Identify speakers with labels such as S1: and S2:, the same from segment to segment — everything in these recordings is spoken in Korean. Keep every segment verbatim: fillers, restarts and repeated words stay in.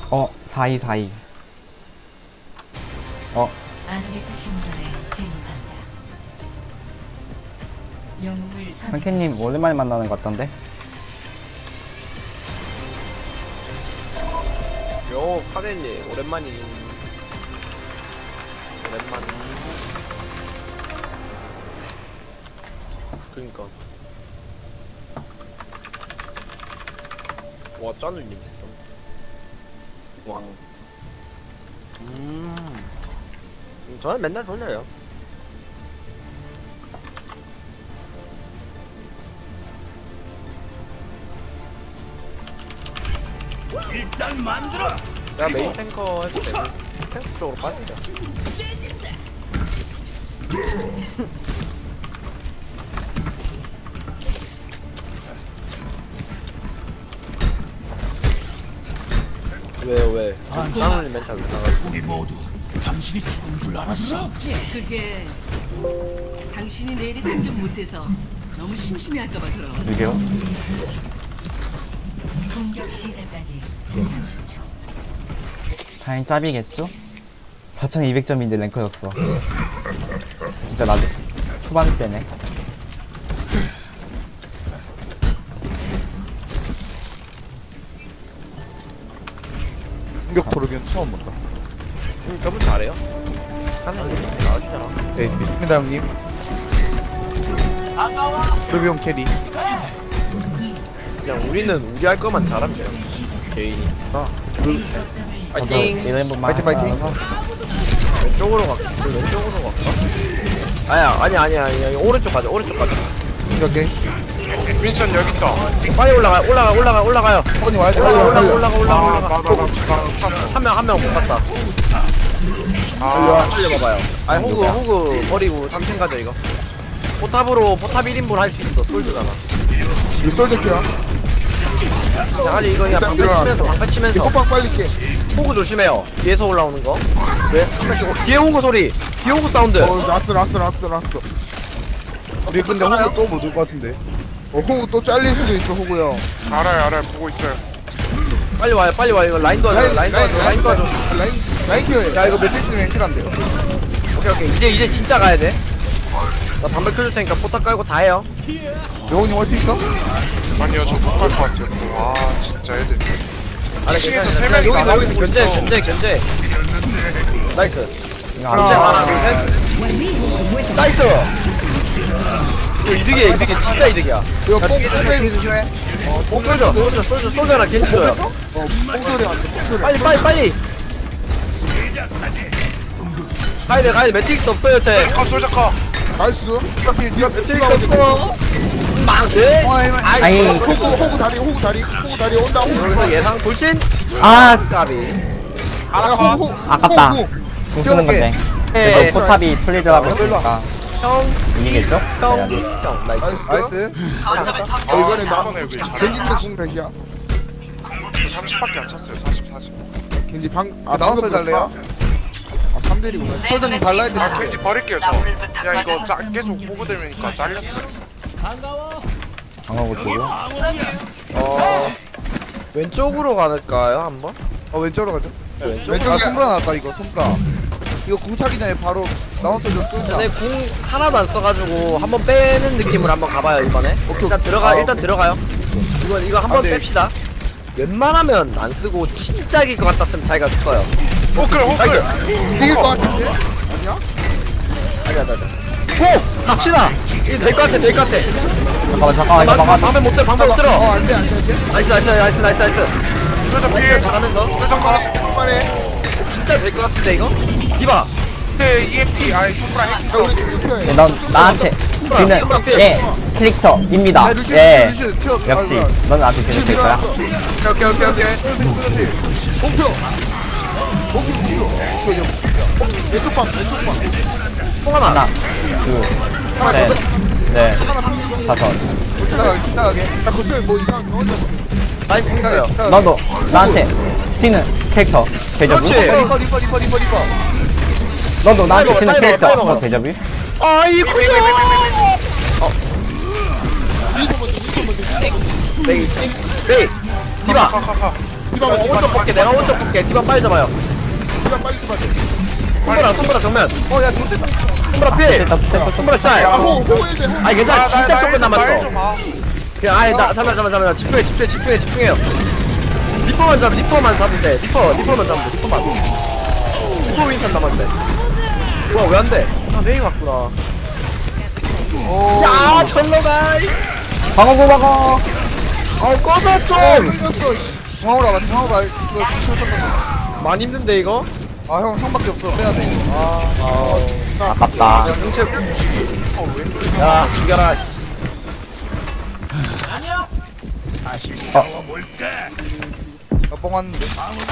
S1: 어, 사이 사이. 어.
S2: 아누비스 신전에 진입한다. 영웅을
S1: 상캐님 오랜만에 만나는 것 같던데?
S3: 요 카덴님 오랜만이 오랜만. 그니까 와 짜누님 있어. 와. 음. 저는 맨날 돌려요.
S4: 일단 만들어.
S3: 야 메인 탱커 해도 되고 탱커 쪽으로 빠지자. 왜요 왜? 짱훈이 멘탈 왜 나가지?
S4: 우리 모두 당신이 죽은 줄 알았어.
S5: 그게 당신이 내일이 참견 못해서 너무 심심해할까봐 그럼.
S1: 누구요?
S2: 공격 시작까지 삼십 초.
S1: 당연히 짭이겠죠? 사천이백 점인데 랭커였어. 진짜 나도 초반 때네.
S6: 공격 토르비온 처음 본다.
S3: 음, 저분 잘해요? 하나님 나와주잖아.
S6: 네, 믿습니다 형님. 토르비온 캐리.
S3: 그냥 우리는 우리 할 거만 잘하면 돼요. 개인이. 아,
S1: 저도
S3: 파이팅!
S1: 이런 한 번만
S6: 파이팅, 파이팅.
S1: 하면서
S3: 왼쪽으로 갈까? 그 왼쪽으로 갈까? 아니야, 아니야, 아니야, 아니야. 오른쪽 가자, 오른쪽 가자.
S6: 오케이.
S7: 윈선 여기 있다.
S3: 빨리 올라가, 올라가, 올라가, 올라가요.
S6: 허니 와야지.
S3: 올라가, 올라가, 올라가, 올라가,
S7: 아,
S3: 올라가.
S7: 나나나 탔어.
S3: 한 명, 한 명 못 갔다.
S7: 아,
S3: 살려봐봐요. 아니, 호그, 호그 버리고 삼층 가자, 이거. 포탑으로, 포탑 일 인분 할 수 있어. 솔드잖아.
S6: 이 솔저 키야.
S3: 자, 아니, 이거 그냥 방패 치면서, 방패 치면서.
S6: 호빵 빨리 깨.
S3: 호그 조심해요. 뒤에서 올라오는 거. 왜? 한 명씩. 오- 뒤에 호그 소리. 뒤에 호그 사운드.
S6: 어, 라스, 라스, 라스, 라스. 우리 근데 호구 또 못 올 것 같은데. 어, 호구 또 잘릴 수도 있어, 호구 형.
S7: 알아요, 알아요. 보고 있어요.
S3: 빨리 와요, 빨리 와요. 이거 라인 도와줘, 라인 도와줘, 라인 도와줘.
S6: 라인, 라인 키워야 야, 이거 매트리스는 앵킬 안 돼요.
S3: 오케이, 오케이. 이제, 이제 진짜 가야 돼. 나 담배 켜줄 테니까 포탑 깔고 다 해요.
S6: 영훈이 올 수 있어?
S7: 아니요, 저 못 갈 것 같아요. 와, 진짜 애들.
S3: 아니,
S7: 층에서
S3: 괜찮아.
S7: 세 명이
S3: 여기,
S7: 나가고
S3: 여기,
S7: 있어.
S3: 견제, 견제, 견제. 나이스.
S1: 이거
S3: 견제
S1: 안
S3: 하나, 둘, 셋. 나이스! 이거 이득이야, 이득이야. 진짜 이득이야.
S6: 이거 뽕, 뽕 조심해.
S3: 어, 쏠져, 쏠져, 쏠져, 쏠져라, 겐지 줘요.
S6: 어, 뽕 소리 왔어, 뽕 소리.
S3: 빨리, 빨리, 빨리! 가야돼, 가야돼. 매트릭스 없어요, 쟤.
S7: 아, 솔자카.
S6: 나이스. 어차피 니가
S3: 매트릭스 없어. 망해?
S1: 아이.
S3: 아이,
S6: 호구, 호구 다리, 호구 다리, 호구 다리 온다, 호구 다리.
S3: 여기서 예상 돌진?
S1: 아,
S3: 까비.
S6: 아, 호구, 호구.
S1: 아깝다.
S6: 호구.
S1: 공 쓰는 건데.
S3: 네.
S1: 그래도 포탑이 풀리더라고 했으니까
S3: 형,
S1: 이기겠죠?
S3: 형,
S1: 네.
S3: 형, 나이스.
S6: 나이스. 나이스.
S7: 아,
S6: 이거는 나,
S7: 이번에 왜 잘해?
S6: 겐지트 공 백이야.
S7: 저 삼십밖에 안 찼어요. 사십, 사십.
S6: 겐지 방, 아, 나왔어 잘래요? 아, 삼 대리구나. 솔저님 발라야 돼.
S7: 아, 왠지 버릴게요, 저. 야, 이거 짜, 계속 보고 들으니까 잘렸어.
S1: 방어구 주고
S3: 어, 왼쪽으로 갈까요, 한번?
S6: 어, 왼쪽으로 가죠.
S3: 네, 왼쪽.
S6: 왼쪽, 아, 손브라 나왔다, 이거, 손브라. 이거 공 차기 전에 바로 나와서 좀 쏘자.
S3: 전에 궁 하나도 안 써가지고 한번 빼는 느낌으로 한번 가봐요, 이번에.
S6: 오케이,
S3: 일단
S6: 오케이.
S3: 들어가,
S6: 아,
S3: 일단
S6: 오케이.
S3: 들어가요. 이거, 이거 한번
S6: 아, 네.
S3: 뺍시다. 웬만하면 안 쓰고 진짜 이길 것 같았으면 자기가 써요.
S7: 호클, 호클.
S6: 이길 것 같은데? 아니야?
S3: 아니야, 아니야. 고! 갑시다! 이게 될 것 같아, 될 것 같아.
S1: 잠깐만 잠깐만 이거
S3: 방-
S1: 막아
S3: 방패 못 들어, 방패 못
S6: 어,
S3: 들어.
S6: 안 돼, 안 돼, 안 돼.
S3: 나이스, 나이스, 나이스, 나이스, 나이스.
S7: 솔자 피해.
S3: 잘하면서.
S7: 솔자카.
S6: 빨리.
S3: 진짜 될 것 같은데, 이거? 이봐.
S7: 네, 이엠피. 아이, 손브라 핵.
S6: 야, 우리 지금 튀어야 돼.
S1: 넌 나한테 지는 예 캐릭터입니다.
S6: 야, 루시,
S1: 예
S6: 루시, 튀어.
S1: 역시
S6: 아,
S1: 넌 나한테 지는 캐릭터야.
S3: 오케이, 오케이, 오케이.
S6: 목표. 목표, 목표. 이거 왼쪽 방, 왼쪽 방.
S3: 통 하나.
S1: 하나
S6: 하나 더.
S1: 둘셋넷
S6: 하나 방.
S1: 다섯.
S6: 지나가게, 지나가게. 야, 거쳐에 뭐 이상한 거 혼자.
S3: 나이스
S6: 지나가게,
S3: 있어요.
S6: 지나가게.
S1: 너도 나한테 지는 캐릭터 대접이.
S3: 그렇지.
S6: 리퍼, 리퍼, 리퍼, 리퍼, 리퍼.
S1: 너도 나한테
S3: 빨리
S1: 지는
S3: 먹어,
S1: 캐릭터
S3: 빨리 먹어.
S1: 어, 대접이.
S3: 아이쿠야! 어. 메이, 메이. 디바, 디바
S7: 가가가
S6: 디바
S3: 어, 오른쪽 볼게 내가 오른쪽 볼게 디바 빨리 잡아요
S6: 디바 빨리 좀 하자.
S3: 손보라 손보라 정면
S6: 어야 좋겠다.
S3: 손보라 필
S1: 됐다, 됐다, 됐다.
S3: 손보라 짤
S6: 야 호구 호구 일대 호구.
S3: 아니 괜찮아 진짜 조금 남았어
S7: 좀 봐.
S3: 그냥 아니 나 잠깐만 잠깐만 잠깐만 집중해 집중해 집중해 집중해요 리퍼만 잡 리퍼만 잡으면 돼 리퍼 리퍼만 잡으면 돼 리퍼만 리퍼 윈선 남았는데 우와 왜 안돼 아 메이 왔구나 야 철로가
S1: 방어구 방어.
S3: 아우 꺼져 좀
S6: 끊겼어. 중앙으로 와봐. 중앙으로 와. 이거 쳤었던
S3: 많이 힘든데 이거
S6: 거. 아형 형밖에 없어. 빼야 돼. 아.
S1: 아깝다.
S3: 야 흥채 야 죽여라
S6: 나뻥 왔는데.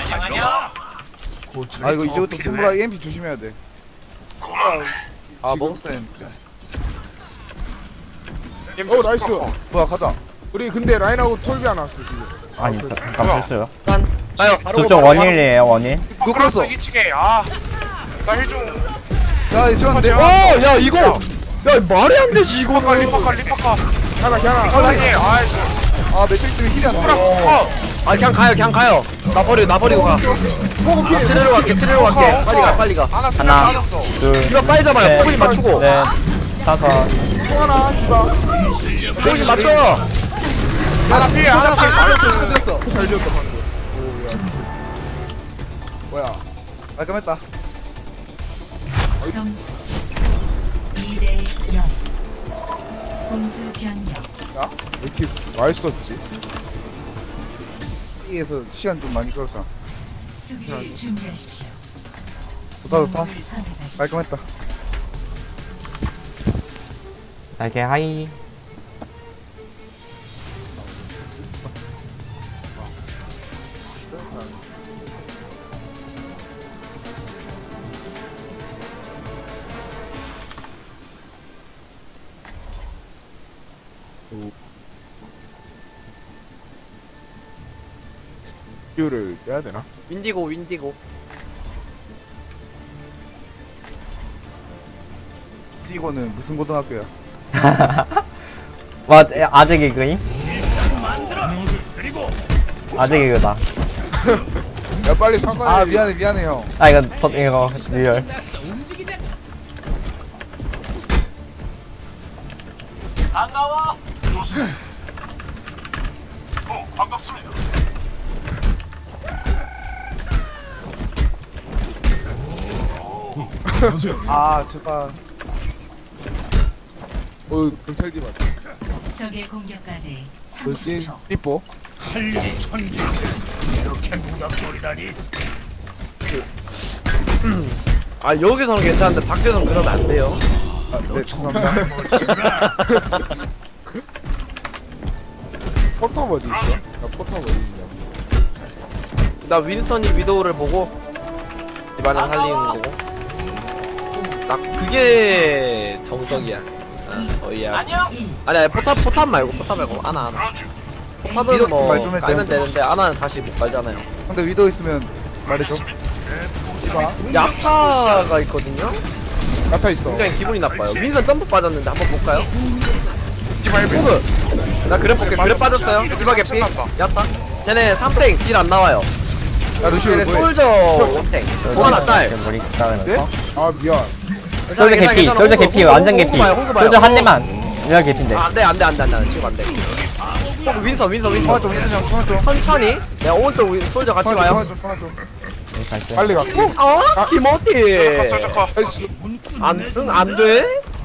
S6: 아 이거 이제부터 손보라 이엠피 조심해야 돼. 아 먹었어 이엠피.
S7: 어 나이스.
S6: 뭐야 가자.
S8: 우리 근데 라인하고 톨비 안 왔어 지금.
S1: 아니 자- 잠깐 됐어요.
S3: 짠 가요 바로
S1: 저쪽 원일이에요 원일.
S6: 그거 끌었어.
S7: 이 층에 아나 힐좀
S6: 야 이거 내.
S3: 어야 이거 야 말이 안 되지 이거
S7: 리퍼카 리퍼카 리퍼카
S8: 하나 하나.
S7: 아니 아이
S6: 아 매트릭 때문에 힐이 안 나.
S7: 어
S3: 아 그냥 가요 그냥 가요 나 버려 나 버리고 가 아, 트레로 갈게 트레로 갈게 빨리 가 빨리 가
S7: 하나 수면
S1: 하나.
S7: 빠졌어
S1: 둘,
S3: 이거 빨리 잡아요
S1: 셋,
S3: 포인 맞추고
S1: 넷, 다섯.
S8: 하나 디바.
S3: 포인 맞춰
S7: 하나 피해 하나 피해
S6: 끌렸어.
S8: 잘 지었다 방금.
S6: 뭐야? 깔끔했다.
S2: 점수 이 대 영. 공수 변경.
S8: 왜 이렇게 맛있었지?
S6: E에서 시간 좀 많이 끌었다.
S2: 수비를 준비하십시오.
S6: 좋다 좋다.
S2: 영웅을 선택하십시오.
S6: 깔끔했다.
S1: 날개 하이.
S8: 이유를 빼야 되나?
S3: 윈디고 윈디고
S6: 이거는 무슨 고등학교야?
S1: 와 아재 개그임? 아재 개그다.
S8: 야 빨리 사과해.
S6: 아 미안해 미안해 형.
S1: 아 이거 더 이거 리얼.
S6: 아 제발.
S8: 어 경찰 디바.
S2: 적의 공격까지
S8: 뭐지?
S2: 삼십 초.
S8: 삐뽀.
S4: 한림 천지 이렇게 무닥거리다니.
S3: 아 여기서는 괜찮은데 밖에서는 그러면 안 돼요
S6: 네 죄송합니다.
S8: 포탑 어디 있어? 나 포탑 어디 있냐?
S3: 나 윈선이 위도우를 보고 이번엔 살리는 거고 나 그게 정석이야 아, 어이야 아니야 포탑 포탑 말고 포탑 말고 아나 아나 포탑은
S6: 위도우
S3: 뭐
S6: 말 좀 해도
S3: 깔면
S6: 돼요?
S3: 되는데 아나는 다시 못 깔잖아요
S6: 근데 위도 있으면 말해줘.
S3: 야타가 있거든요?
S8: 나타 있어.
S3: 굉장히 기분이 나빠요 윈선 점프 빠졌는데 한번 볼까요? 호그 나 그래 볼게 그래 빠졌어요 디바 개피 야타 쟤네 삼탱 딜 안 나와요
S6: 야 루시오
S3: 쟤네
S6: 뭐해?
S3: 솔저 원탱 소하나 딸
S1: 머리 따르면서.
S8: 아 미안.
S1: 솔저 개피, 솔저 개피, 완전 개피. 솔저 한 대만. 리얼 개피인데.
S3: 아, 안돼 안돼 안돼 안돼 지금 안돼 호그 윈선 윈선 윈선
S6: 통화 좀 윈선 형 통화 좀.
S3: 천천히 내가 오른쪽 윈- 솔저 같이
S6: 통화 좀
S3: 가요
S6: 통화 좀 통화 좀.
S1: 갈게.
S8: 빨리 갈게.
S3: 어? 김어디
S7: 컸어 저커
S8: 나이스.
S3: 안, 응, 안 돼?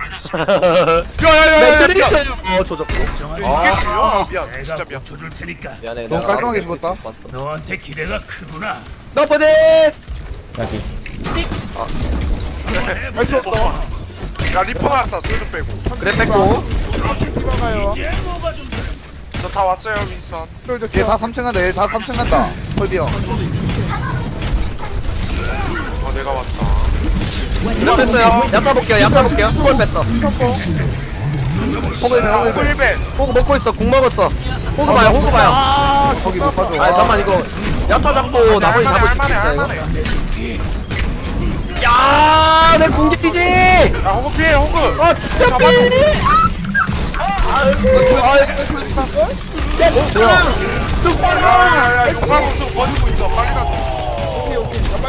S7: 야야야야
S3: 매트릭스 어 조졌고
S7: 아 미안 진짜
S4: 내가
S7: 미안
S4: 고쳐줄 테니까.
S3: 미안해
S6: 너무 깔끔하게 죽었다.
S4: 너한테 기대가 크구나.
S3: 너프데스
S1: 여기.
S8: 할수 없다.
S7: 야 리퍼 나왔다 소주 빼고
S3: 그래 뺐고
S8: 디바가요.
S4: 이제 뭐가 좀
S7: 저 다 왔어요 윈선
S6: 얘 다 삼 층 간다. 얘 다 삼 층 간다. 헐비 형.
S7: 아 내가 왔다
S3: 이거 뺐어요 야타 볼게요 야타 볼게요 후볼 뺐어
S6: 호그 힐
S7: 야
S6: 호그
S7: 호그
S6: 힐.
S7: 힐벤
S3: 호구 먹고 있어 궁 먹었어 호구 봐요 호구 봐요
S6: 거기 못 봐줘.
S3: 아 잠깐만 이거 야타 잡고 나머지 잡을 수
S7: 할만해
S3: 있어 이거
S7: 할만해
S3: 야내 궁기지
S7: 야 호그 피해 호그
S3: 아 진짜 삐
S6: 아,
S3: 뭐야